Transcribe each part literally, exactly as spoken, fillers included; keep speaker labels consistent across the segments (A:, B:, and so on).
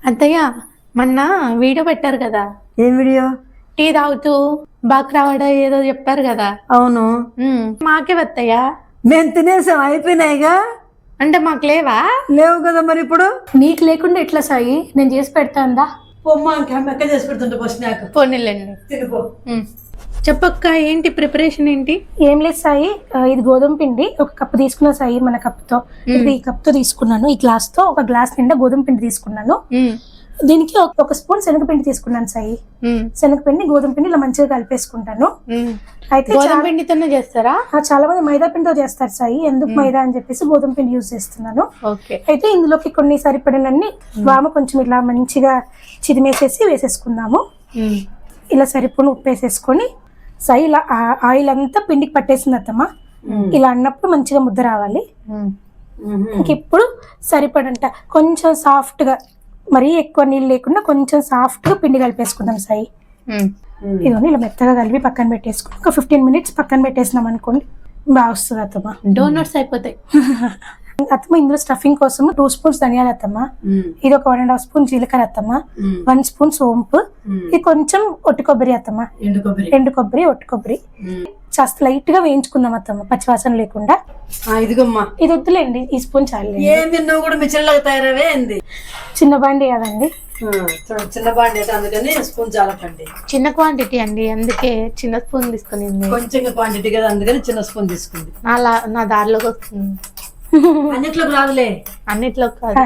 A: అత్తయ్య మొన్న వీడియో పెట్టారు కదా.
B: ఏం వీడియో?
A: టీ తాగుతూ బాక్రావాడ ఏదో చెప్పారు కదా.
B: అవును.
A: మాకే వత్తయ్య.
B: మేము తినేసాం, అయిపోయినాయిగా.
A: అంటే మాకు లేవా?
B: లేవు కదా మరి. ఇప్పుడు
A: నీకు లేకుండా ఎట్లా సాయి? నేను చేసి పెడతాందా?
B: పొమ్మ ఎక్క చేసి పెడుతుంటే ఫస్ట్ నాకు
A: పోనీలేండి.
B: తినిపో.
A: చెప్పక్క, ఏంటి ప్రిపరేషన్ ఏంటి?
C: ఏం లేదు సాయి, ఇది గోధుమ పిండి ఒక కప్పు తీసుకున్నా సాయి. మన కప్పుతో ఇప్పుడు ఈ కప్తో తీసుకున్నాను. ఈ గ్లాస్ తో ఒక గ్లాస్ నిండా గోధుమ పిండి తీసుకున్నాను. దీనికి ఒక స్పూన్ శనగపిండి తీసుకున్నాను సాయి. శనగపిండి గోధుమ పిండి ఇలా మంచిగా కలిపేసుకుంటాను. అయితే
A: గోధుమ పిండితోనే చేస్తారా?
C: చాలా మంది మైదా పిండితో చేస్తారు సాయి. ఎందుకు మైదా అని చెప్పేసి గోధుమ పిండి యూజ్ చేస్తున్నాను. అయితే ఇందులోకి కొన్ని సరిపడినన్ని వామ కొంచెం ఇలా మంచిగా చిదిమేసేసి వేసేసుకుందాము. ఇలా సరిపడిన ఉప్పు వేసేసుకొని సాయి ఇలా ఆయిల్ అంతా పిండికి పట్టేసింది అత్తమ్మ. ఇలా అన్నప్పుడు మంచిగా ముద్ద రావాలి. ఇంక ఇప్పుడు సరిపడంట కొంచెం సాఫ్ట్ గా, మరీ ఎక్కువ నీళ్ళు లేకుండా కొంచెం సాఫ్ట్ గా పిండి కలిపేసుకుందాం సాయి. ఇదిగోని ఇలా మెత్తగా కలిపి పక్కన పెట్టేసుకుని ఒక ఫిఫ్టీన్ మినిట్స్ పక్కన పెట్టేసినాం అనుకోండి, బాగా వస్తుంది అత్తమ్మ.
A: డోనట్స్ అయిపోతాయి.
C: అత్తమ్మ ఇందులో స్టఫింగ్ కోసం టూ స్పూన్స్ ధనియాలు అత్తమ్మ, ఇది ఒక వన్ అండ్ హాఫ్ స్పూన్ జీలకర్ర అత్తమ్మ, వన్ స్పూన్ సోంపు, ఇది కొంచెం ఒట్టి కొబ్బరి అత్తమ్మ, ఎండు కొబ్బరి ఒట్టి కొబ్బరి కాస్త లైట్ గా వేయించుకుందాం అత్తమ్మ, పచ్చివాసన లేకుండా.
B: ఇదిగోమ్మా,
C: ఇది వద్దులేండి, ఈ స్పూన్ చాలు.
B: కూడా మిచ్చర్లాగా తయారవే ఏంది?
C: చిన్న బాండి కదండి,
B: చిన్న బాండి అందుకని స్పూన్ చాలా పండి.
A: చిన్న క్వాంటిటీ అండి, అందుకే చిన్న స్పూన్ తీసుకుని.
B: కొంచెం క్వాంటిటీ కదా అందుకని చిన్న స్పూన్ తీసుకుంది.
A: నా నా దారిలోకి వస్తుంది.
B: అన్నిట్లోకి రాదులే,
A: అన్నిట్లో కాదు.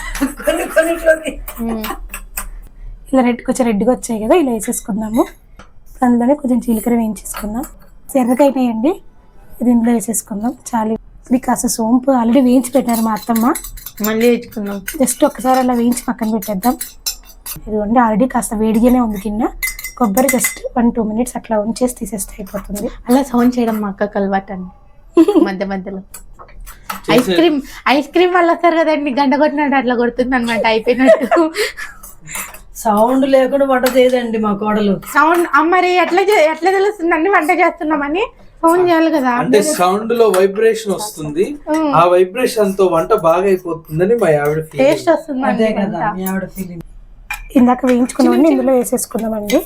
C: ఇలా రెడ్ కొంచెం రెడ్గా వచ్చాయి కదా, ఇలా వేసేసుకుందాము. అందులోనే కొంచెం జీలకర్ర వేయించేసుకుందాం. ఎర్రగా అయినాయండి, ఇది ఇందులో వేసేసుకుందాం. చాలు. ఇది కాస్త సోంపు ఆల్రెడీ వేయించి పెట్టారు మా అత్తమ్మ,
A: మళ్ళీ వేయించుకుందాం.
C: జస్ట్ ఒకసారి అలా వేయించి పక్కన పెట్టేద్దాం. ఇదిగోండి ఆల్రెడీ కాస్త వేడిగానే ఉంది గిన్నె. కొబ్బరి జస్ట్ వన్ టూ మినిట్స్ అట్లా ఉంచేసి తీసేస్తే అయిపోతుంది.
A: అలా సౌండ్ చేయడం మా అక్కకి అలవాటు అండి. మధ్య మధ్యలో ఐస్ క్రీమ్ ఐస్ క్రీమ్ వాళ్ళు వస్తారు కదండి, గంట కొట్టినట్టు అట్లా కొడుతుంది అనమాట. అయిపోయినట్టు
B: సౌండ్ లేకుండా వంట చేయదండి మా కోడలు.
A: సౌండ్ మరి ఎట్లా ఎట్లా తెలుస్తుందండి వంట చేస్తున్నామని? సౌండ్ చేయాలి కదా.
D: అంటే సౌండ్ లో వైబ్రేషన్ వస్తుంది, ఆ వైబ్రేషన్ తో వంట బాగా అయిపోతుందని మా ఆవిడ
A: టేస్ట్ వస్తుంది.
B: అదే కదా మీ ఆవిడ ఫీలింగ్.
C: ఇందాక వేయించుకున్నామండి, ఇందులో వేసేసుకుందామండి.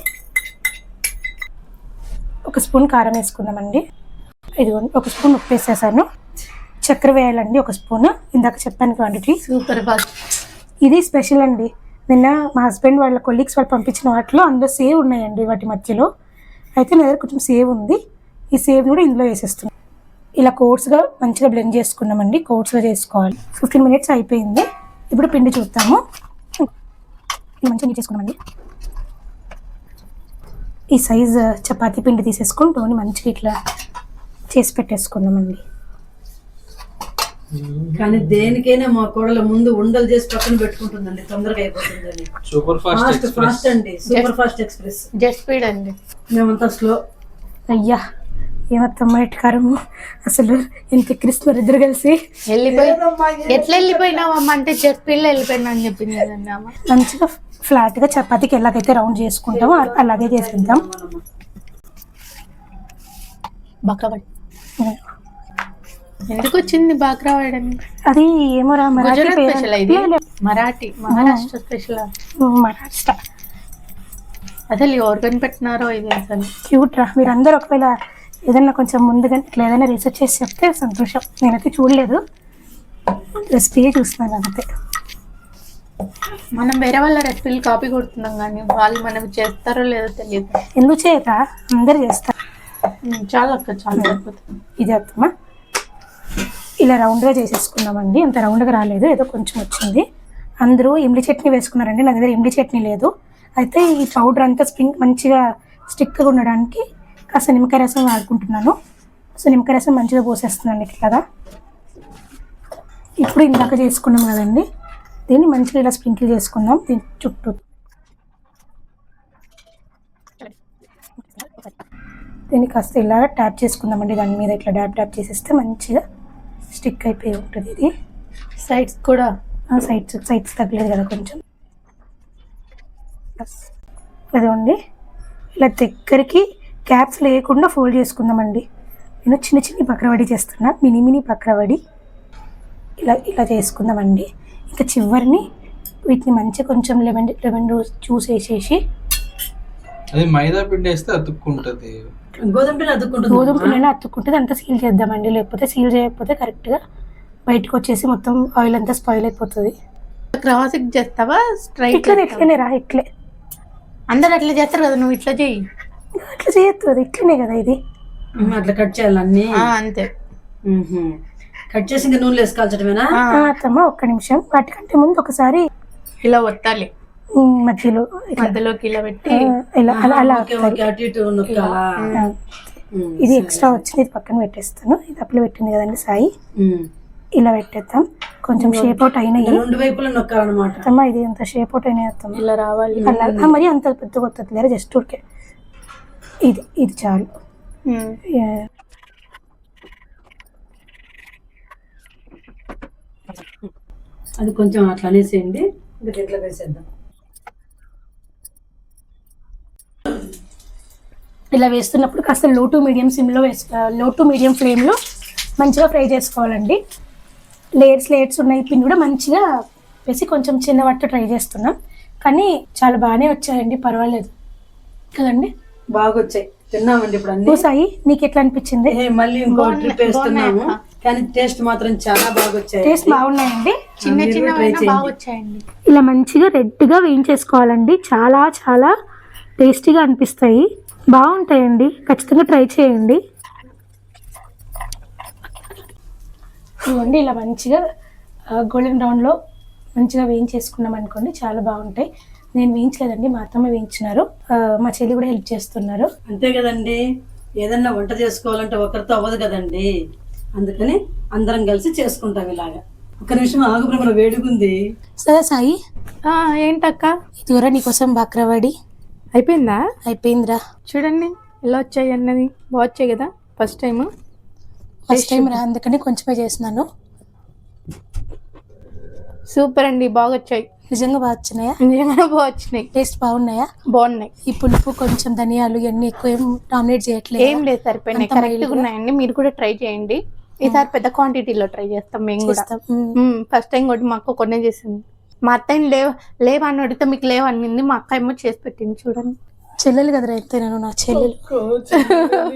C: ఒక స్పూన్ కారం వేసుకుందామండి. ఇదిగోండి ఒక స్పూన్ ఉప్పు వేసేసాను. చక్కెర వేయాలండి ఒక స్పూన్, ఇందాక చెప్పాను క్వాంటిటీ.
A: Super fast.
C: ఇది స్పెషల్ అండి. నిన్న మా హస్బెండ్ వాళ్ళ కొలీగ్స్ వాళ్ళు పంపించిన వాటిలో అందులో సేవ్ ఉన్నాయండి వాటి మధ్యలో. అయితే నా దగ్గర కొంచెం సేవ్ ఉంది, ఈ సేవ్ కూడా ఇందులో వేసేస్తున్నాం. ఇలా కోర్స్గా మంచిగా బ్లెండ్ చేసుకున్నామండి. కోర్స్గా చేసుకోవాలి. ఫిఫ్టీన్ మినిట్స్ అయిపోయింది. ఇప్పుడు పిండి చూద్దాము. ఇది మంచిగా నీట్ చేసుకున్నామండి. ఈ సైజ్ చపాతీ పిండి తీసేసుకుని టోని మంచిగా ఇట్లా చేసి పెట్టేసుకుందామండి.
B: కానీ దేనికైనా మా కోడల ముందు ఉండలు చేసి పక్కన పెట్టుకుంటుందండి, తొందరగా అయిపోతుందండి.
D: సూపర్ ఫాస్ట్
B: ఫాస్ట్ అండి, super fast express.
A: Just speed అండి,
B: మేమంతా స్లో.
C: అయ్యా ఏమత్తమ్మ ఎట్కారము, అసలు ఎంత ఎక్కిరిస్తున్నారు ఇద్దరు కలిసి.
A: వెళ్ళిపోయి ఎట్లా వెళ్ళిపోయినావమ్మ అంటే జస్ట్ స్పీడ్ వెళ్ళిపోయినా అని చెప్పింది కదండి అమ్మ.
C: మంచిగా ఫ్లాట్ గా చపాతీకి ఎలాగైతే రౌండ్ చేసుకుంటామో అలాగే చేసేద్దాం.
A: బక్కబడి ఎందుకు వచ్చింది బాక్రావాడ?
C: అది ఏమో రా, మరాఠీ
A: స్పెషల్. ఇది మరాఠీ, మహారాష్ట్ర స్పెషల్.
C: మహారాష్ట్ర
A: అసలు ఎవరు కనిపెట్టినారో ఇది అసలు.
C: క్యూట్ రా. మీరు అందరు ఒకవేళ ఏదన్నా కొంచెం ముందుగా ఇట్లా ఏదైనా రీసెర్చ్ చేసి చెప్తే సంతోషం. నేనైతే చూడలేదు, రెసిపీ చూస్తున్నాను అంతే.
A: మనం వేరే వాళ్ళ రెసిపీలు కాపీ కొడుతున్నాం కానీ వాళ్ళు మనం చేస్తారో లేదో తెలియదు.
C: ఎందుకు చేయరా, అందరు చేస్తారు.
A: చాలా అక్క చాలా అయిపోతుంది.
C: ఇది అత్తమ్మా ఇలా రౌండ్గా చేసేసుకున్నామండి. అంత రౌండ్గా రాలేదు, ఏదో కొంచెం వచ్చింది. అందరూ ఇమ్లి చట్నీ వేసుకున్నారండి, నా దగ్గర ఇమ్లి చట్నీ లేదు. అయితే ఈ పౌడర్ అంతా స్ప్రింగ్ మంచిగా స్టిక్గా ఉండడానికి కాస్త నిమ్మకాయ రసం వాడుకుంటున్నాను. సో నిమ్మకాయ రసం మంచిగా పోసేస్తున్నాను ఇట్లాగా. ఇప్పుడు ఇందాక చేసుకున్నాం కదండి, దీన్ని మంచిగా ఇలా స్ప్రింకిల్ చేసుకుందాం దీని చుట్టూ. దీన్ని కాస్త ఇలా ట్యాప్ చేసుకుందామండి, దాని మీద ఇట్లా డ్యాప్ డ్యాప్ చేసేస్తే మంచిగా స్టిక్ అయిపోయి ఉంటుంది. ఇది
A: సైడ్స్ కూడా,
C: సైడ్స్ సైడ్స్ తగ్గలేదు కదా కొంచెం. అదండి ఇలా దగ్గరికి క్యాప్స్ లేకుండా ఫోల్డ్ చేసుకుందామండి. నేను చిన్న చిన్న పక్రవడి చేస్తున్నా, మినీ మినీ పక్రవడి. ఇలా ఇలా చేసుకుందామండి. ఇంకా చివరిని వీటిని మంచిగా కొంచెం లెమన్ లెమన్ జ్యూస్ వేసేసి,
D: అది మైదా పిండి వేస్తే అతుక్కుంటది,
B: గోధుమ పిండి అతుక్కుంటుంది.
C: గోధుమ పిండి అతుక్కుంటుంది, అంతా సీల్ చేద్దామండి. లేకపోతే సీల్ చేయకపోతే కరెక్ట్గా బయటకు వచ్చేసి మొత్తం ఆయిల్ అంతా స్పాయిల్ అయిపోతుంది.
A: క్రాస్ చేస్తావా స్ట్రైట్?
C: ఇట్లా ఇట్లనే రా, ఇట్లే
A: అందరు అట్లా చేస్తారు కదా, నువ్వు ఇట్లా చెయ్యి.
C: అట్లా చేయొద్దు, అది ఇట్లనే కదా ఇది.
B: అట్లా కట్ చేయాలి అన్ని.
A: అంతే.
B: కట్ చేసి ఇంకా నూనెలు వేసుకోవాల్సటమేనా?
C: అత్తమ్మ ఒక్క నిమిషం, వాటికంటే ముందు ఒకసారి
A: ఇలా ఒత్తాలి
C: మధ్యలో,
A: మధ్యలోకి ఇలా పెట్టి
C: ఇలా అలా అలా.
B: అటు ఇటు నొక్కాలా?
C: ఇది ఎక్స్ట్రా వచ్చింది, ఇది పక్కన పెట్టేస్తాను. ఇది అప్పులు పెట్టింది కదండి సాయి, ఇలా పెట్టేద్దాం. కొంచెం షేప్ అవుట్ అయినాయి,
B: రెండు వైపులా నొక్కాలన్నమాట.
C: అత్తమ్మ ఇది అంత షేప్ అవుట్ అయినాయి అత్తమ్మ,
A: ఇలా రావాలి.
C: అలా మరి అంత పెద్ద కొత్తది లేదా, జస్ట్ ఊరికే ఇది ఇది చాలు.
B: అది కొంచెం అట్లా అనేసేయండి, ఇంకా దీంట్లో వేసేద్దాం.
C: ఇలా వేస్తున్నప్పుడు కాస్త లో టు మీడియం సిమ్లో వేసు లో టు మీడియం ఫ్లేమ్లో మంచిగా ఫ్రై చేసుకోవాలండి. లేయర్స్ లేయర్స్ ఉన్నాయి, పిండి కూడా మంచిగా వేసి కొంచెం చిన్న వట్ట ట్రై చేస్తున్నాం, కానీ చాలా బాగానే వచ్చాయండి, పర్వాలేదు కదండి.
B: బాగా వచ్చాయి, తిన్నామండి ఇప్పుడు అన్ని.
C: సాయి నీకు ఎట్లా అనిపించింది?
B: మళ్ళీ ఇంకో ట్రిప్ వేస్తున్నాము, కానీ టేస్ట్ మాత్రం చాలా బాగా వచ్చాయి.
C: టేస్ట్ బాగున్నాయండి,
A: చిన్న చిన్న బాగా వచ్చాయండి.
C: ఇలా మంచిగా రెడ్గా వేయించేసుకోవాలండి, చాలా చాలా టేస్టీగా అనిపిస్తాయి, బాగుంటాయండి, ఖచ్చితంగా ట్రై చేయండి. ఇవ్వండి ఇలా మంచిగా గోల్డెన్ బ్రౌన్లో మంచిగా వేయించేసుకున్నాం అనుకోండి, చాలా బాగుంటాయి. నేను వేయించలేదండి, మా అత్తమ్మ వేయించినారు, మా చెల్లి కూడా హెల్ప్ చేస్తున్నారు.
B: అంతే కదండి, ఏదన్నా వంట చేసుకోవాలంటే ఒకరితో అవ్వదు కదండి, అందుకని అందరం కలిసి చేసుకుంటాం ఇలాగా. ఒక నిమిషం ఆగు బ్రహ్మ, వేడుకుంది.
C: సరే సాయి,
A: ఏంటక్క
C: ఇదివరా నీకోసం బాక్రవాడి
A: అయిపోయిందా?
C: అయిపోయిందిరా,
A: చూడండి ఎలా వచ్చాయి అన్నది, బాగా వచ్చాయి కదా. ఫస్ట్ టైం
C: ఫస్ట్ టైం రా, అందుకని కొంచెమే చేసినాను.
A: సూపర్ అండి, బాగా వచ్చాయి,
C: నిజంగా బాగా వచ్చినాయా?
A: నిజంగా బాగా వచ్చినాయి,
C: టేస్ట్ బాగున్నాయా?
A: బాగున్నాయి.
C: ఈ పులుపు కొంచెం ధనియాలు ఇవన్నీ ఎక్కువ ఏం డామినేట్ చేయట్లేదు,
A: ఏం లేదు, సరిపోయినాయి, కరెక్ట్గా ఉన్నాయండి. మీరు కూడా ట్రై చేయండి, ఈసారి పెద్ద క్వాంటిటీలో ట్రై చేస్తాం మేము కూడా. ఫస్ట్ టైం కూడా మా అక్క కొన్నే చేసింది, మా అత్తయ్య లేవ లేవని అడిగితే మీకు లేవనింది, మా అక్క ఏమో చేసి పెట్టింది. చూడండి,
C: చెల్లెలు కదరా, అయితే నేను నా చెల్లెలు.